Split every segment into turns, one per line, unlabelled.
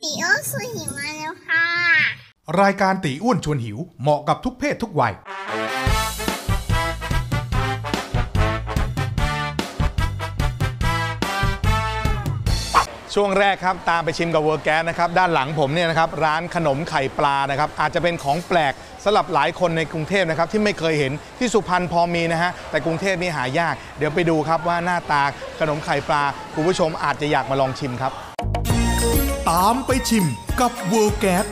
ตีอ้วนชวนหิวมาแล้วค่ะ
รายการตีอ้วนชวนหิวเหมาะกับทุกเพศทุกวัยช่วงแรกครับตามไปชิมกับเวอร์แก๊สนะครับด้านหลังผมเนี่ยนะครับร้านขนมไข่ปลานะครับอาจจะเป็นของแปลกสำหรับหลายคนในกรุงเทพนะครับที่ไม่เคยเห็นที่สุพรรณพอมีนะฮะแต่กรุงเทพนี่หายากเดี๋ยวไปดูครับว่าหน้าตาขนมไข่ปลาคุณผู้ชมอาจจะอยากมาลองชิมครับตามไปชิมกับเวอร์แก๊ส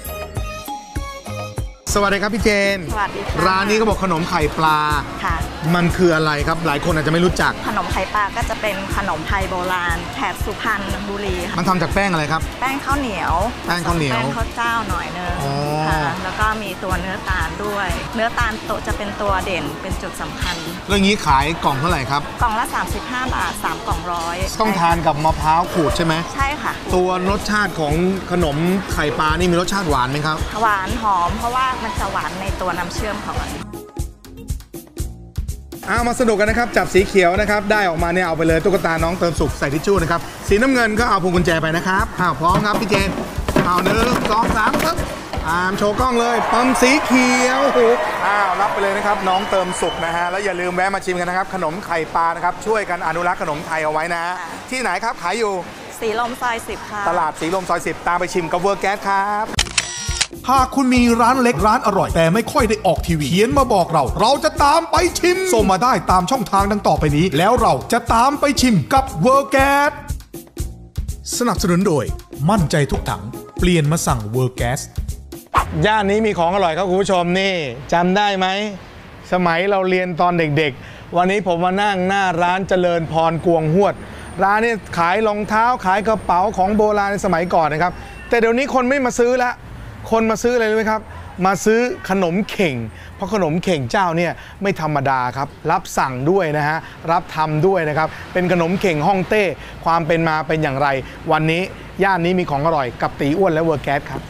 สวัสดีครับพี่เจน
สวัสดีค่ะ
ร้านนี้ก็บอกขนมไข่ปลา
ค่ะ
มันคืออะไรครับหลายคนอาจจะไม่รู้จัก
ขนมไข่ปลาก็จะเป็นขนมไทยโบราณแถบสุพรรณบุรี
มันทำจากแป้งอะไรครับ
แป้งข้าวเหนียว
แป้งข้าวเหนียว
แป้งข้าวเจ้าหน่อยนึงค่ะแล้วก็มีตัวเนื้อตาลด้วยเนื้อตาลโตจะเป็นตัวเด่นเป็นจุดสำคัญ
เรื่องนี้ขายกล่องเท่าไหร่ครับ
กล่องละ35 บาท3กล่อง100
ต้องทานกับมะพร้าวขูดใช่ไหม
ใช่ค่ะ
ตัวรสชาติของขนมไข่ปลานี่มีรสชาติหวานไหมครับ
หวานหอมเพราะว่ามันจะหวานในตัวน้ำเชื่อมของมัน
มาสนุกกันนะครับจับสีเขียวนะครับได้ออกมาเนี่ยเอาไปเลยตุ๊กตาน้องเติมสุขใส่ทิชชู่นะครับสีน้ำเงินก็เอาพวงกุญแจไปนะครับพร้อมครับพี่เจนเอา1 2 3ปึ๊บโชว์กล้องเลยปั๊มสีเขียวรับไปเลยนะครับน้องเติมสุขนะฮะแล้วอย่าลืมแวะมาชิมกันนะครับขนมไข่ปลานะครับช่วยกันอนุรักษ์ขนมไทยเอาไว้นะที่ไหนครับขายอยู่
สีลมซอย10ค่ะ
ตลาดสีลมซอย10ตามไปชิมกับเวอร์แก๊สครับ
หากคุณมีร้านเล็กร้านอร่อยแต่ไม่ค่อยได้ออกทีวีเขียนมาบอกเราจะตามไปชิมส่งมาได้ตามช่องทางดังต่อไปนี้แล้วเราจะตามไปชิมกับเวอร์แก๊สสนับสนุนโดยมั่นใจทุกถังเปลี่ยนมาสั่งเวอร์แก๊ส
ย่านนี้มีของอร่อยครับคุณผู้ชมนี่จำได้ไหมสมัยเราเรียนตอนเด็กๆวันนี้ผมมานั่งหน้าร้านเจริญพรกวงหวดร้านนี้ขายรองเท้าขายกระเป๋าของโบราณในสมัยก่อนนะครับแต่เดี๋ยวนี้คนไม่มาซื้อละคนมาซื้ออะไรรู้ไหมครับมาซื้อขนมเข่งเพราะขนมเข่งเจ้าเนี่ยไม่ธรรมดาครับรับสั่งด้วยนะฮะรับทำด้วยนะครับเป็นขนมเข่งฮ่องเต้ความเป็นมาเป็นอย่างไรวันนี้ย่านนี้มีของอร่อยกับตีอ้วนและเวอร์แก๊สครับ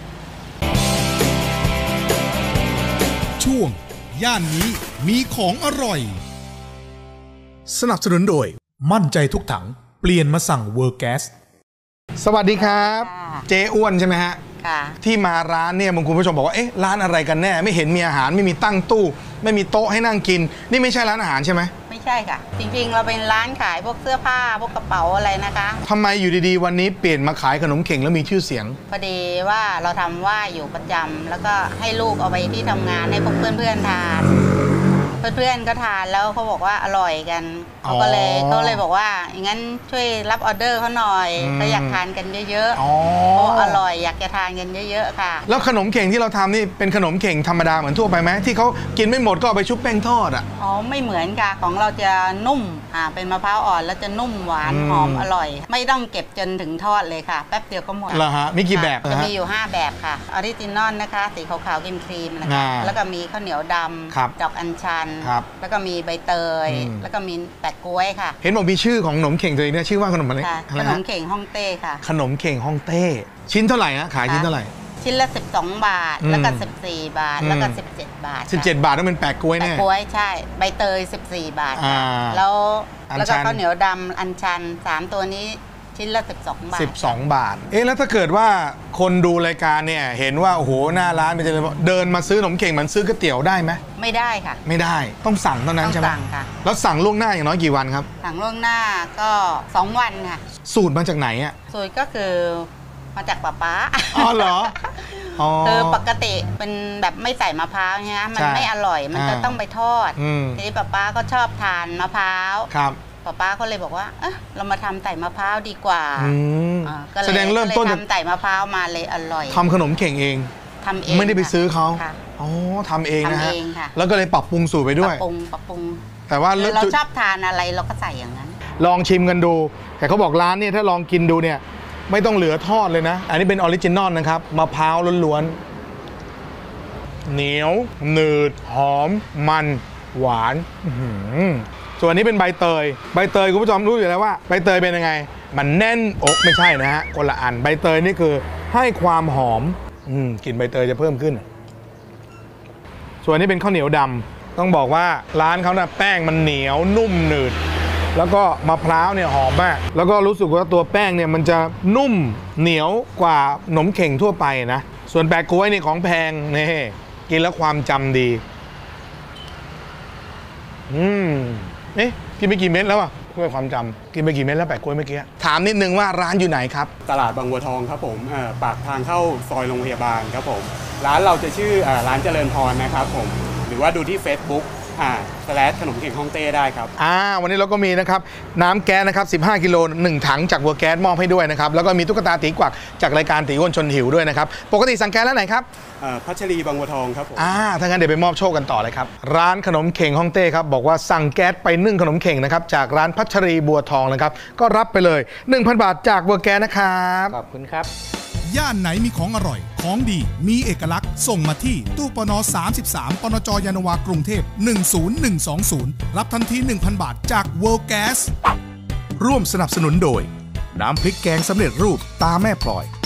ช่วงย่านนี้มีของอร่อยสนับสนุนโดยมั่นใจทุกถังเปลี่ยนมาสั่งเวอร์แก๊ส
สวัสดีครับเจ๊อ้วนใช่ไหมฮะที่มาร้านเนี่ยบางคุณผู้ชมบอกว่าเอ๊ะร้านอะไรกันแน่ไม่เห็นมีอาหารไม่มีตั้งตู้ไม่มีโต๊ะให้นั่งกินนี่ไม่ใช่ร้านอาหารใช่ไหม
ไม่ใช่ค่ะจริงๆเราเป็นร้านขายพวกเสื้อผ้าพวกกระเป๋าอะไรนะคะ
ทำไมอยู่ดีๆวันนี้เปลี่ยนมาขายขนมเข่งแล้วมีชื่อเสียง
พอดีว่าเราทำว่าอยู่ประจำแล้วก็ให้ลูกเอาไปที่ทำงานให้พวกเพื่อนๆทานเพื่อนๆก็ทานแล้วเขาบอกว่าอร่อยกันเขาเลยบอกว่าอย่างนั้นช่วยรับออเดอร์เขาหน่อยเขาอยากทานกันเยอะๆเพราะอร่อยอยากจะทานกันเยอะๆค่ะ
แล้วขนมเข่งที่เราทำนี่เป็นขนมเข่งธรรมดาเหมือนทั่วไปไหมที่เขากินไม่หมดก็เอาไปชุบแป้งทอดอ่ะ
ไม่เหมือนค่ะของเราจะนุ่มเป็นมะพร้าวอ่อนแล้วจะนุ่มหวานหอมอร่อยไม่ต้องเก็บจนถึงทอดเลยค่ะแป๊บเดียวก็หมด
เหรอฮะมีกี่แบบ
จะมีอยู่5แบบค่ะออริจินอลนะคะสีขาวๆครีมๆนะคะแล้วก็มีข้าวเหนียวดำดอกอัญชันแล้วก็มีใบเตยแล้วก็มีแปะกล้วยค่ะ
เห็นบอกมีชื่อของขนมเข่งตัวเองเนี่ยชื่อว่าขนมอะไร
ขนมเข่งฮ่องเต้ค่ะ
ขนมเข่งฮ่องเต้ชิ้นเท่าไหร่ฮะขายชิ้นเท่าไหร่
ชิ้นละ12 บาทแล้วก็14 บาทแล้วก็17 บาท
17 บาทต้องเป็นแปะกล้วยแน่
แปะกล้วยใช่ใบเตย14 บาทแล้วก็ข้าวเหนียวดำอัญชัน3ตัวนี้ชิ้นละ12 บาท
12 บาทแล้วถ้าเกิดว่าคนดูรายการเนี่ยเห็นว่าโอ้โหหน้าร้านเป็นเดินมาซื้อขนมเข่งมันซื้อก๋วยเตี๋ยวได้ไหม
ไม่ได้ค่ะ
ไม่ได้ต้องสั่งเท่านั้นใช่ไหม
สั่งค่ะ
แล้วสั่งล่วงหน้าอย่างน้อยกี่วันครับ
สั่งล่วงหน้าก็2 วันค่ะ
สูตรมาจากไหนอ่ะ
สูตรก็คือมาจากป๊า
อ๋อเหรอ
คือปกติเป็นแบบไม่ใส่มะพร้าวเนี่ยมันไม่อร่อยมันจะต้องไปทอดทีนี้ป๊าก็ชอบทานมะพร้าวป๊าก็เลยบอกว่าเรามาทำใส่มะพร้าวดีกว่า
ก็เลยแสดงเริ่มต้น
ทำใส่มะพร้าวมาเลยอร่อย
ทำขนมเข่งเอง
ทำเอง
ไม่ได้ไปซื้อเขาทำเองนะฮะแล้วก็เลยปรับปรุงสูตรไปด้วย
ปรับปรุง
แต่ว่า
เราชอบทานอะไรเราก็ใส่อย่างนั้น
ลองชิมกันดูแต่เขาบอกร้านเนี่ยถ้าลองกินดูเนี่ยไม่ต้องเหลือทอดเลยนะอันนี้เป็นออริจินอลนะครับมะพร้าวล้วนๆเหนียวหนืดหอมมันหวานส่วนนี้เป็นใบเตยคุณผู้ชมรู้อยู่แล้วว่าใบเตยเป็นยังไงมันแน่นอกไม่ใช่นะฮะคนละอันใบเตยนี่คือให้ความหอมกลิ่นใบเตยจะเพิ่มขึ้นส่วนนี้เป็นข้าวเหนียวดำต้องบอกว่าร้านเขาแป้งมันเหนียวนุ่มหนืดแล้วก็มะพร้าวเนี่ยหอมมากแล้วก็รู้สึกว่าตัวแป้งเนี่ยมันจะนุ่มเหนียวกว่าขนมเข่งทั่วไปนะส่วนแปะก๊วยนี่ของแพงนี่กินแล้วความจำดีเอ๊ะกินไปกี่เม็ดแล้วอ่ะเพื่อความจำกินไปกี่เม็ดแล้วแปะก๊วยเมื่อกี้ถามนิดนึงว่าร้านอยู่ไหนครับ
ตลาดบางบัวทองครับผมปากทางเข้าซอยโรงพยาบาลครับผมร้านเราจะชื่อร้านเจริญพรนะครับผมหรือว่าดูที่ Facebook /ขนมเข่งฮ่องเต้ได้ครับ
วันนี้เราก็มีนะครับน้ำแก๊สนะครับ15 กิโล1 ถังจากวัวแก๊สมอบให้ด้วยนะครับแล้วก็มีตุ๊กตาตีกวักจากรายการตีอ้วนชนหิวด้วยนะครับปกติสั่งแก๊สแล้วไหนครับ
พัชรีบางบัวทองครับผม
ถ้างั้นเดี๋ยวไปมอบโชคกันต่อเลยครับร้านขนมเข่งฮ่องเต้ครับบอกว่าสั่งแก๊สไปนึ่งขนมเข่งนะครับจากร้านพัชรีบัวทองนะครับก็รับไปเลย 1,000 บาทจากวัวแก๊สนะครับ
ขอบคุณครับ
ย่านไหนมีของอร่อยของดีมีเอกลักษณ์ส่งมาที่ตู้ปน33ปนจยานนาวากรุงเทพ10120รับทันที 1,000 บาทจาก World Gas ร่วมสนับสนุนโดยน้ำพริกแกงสำเร็จรูปตาแม่พลอย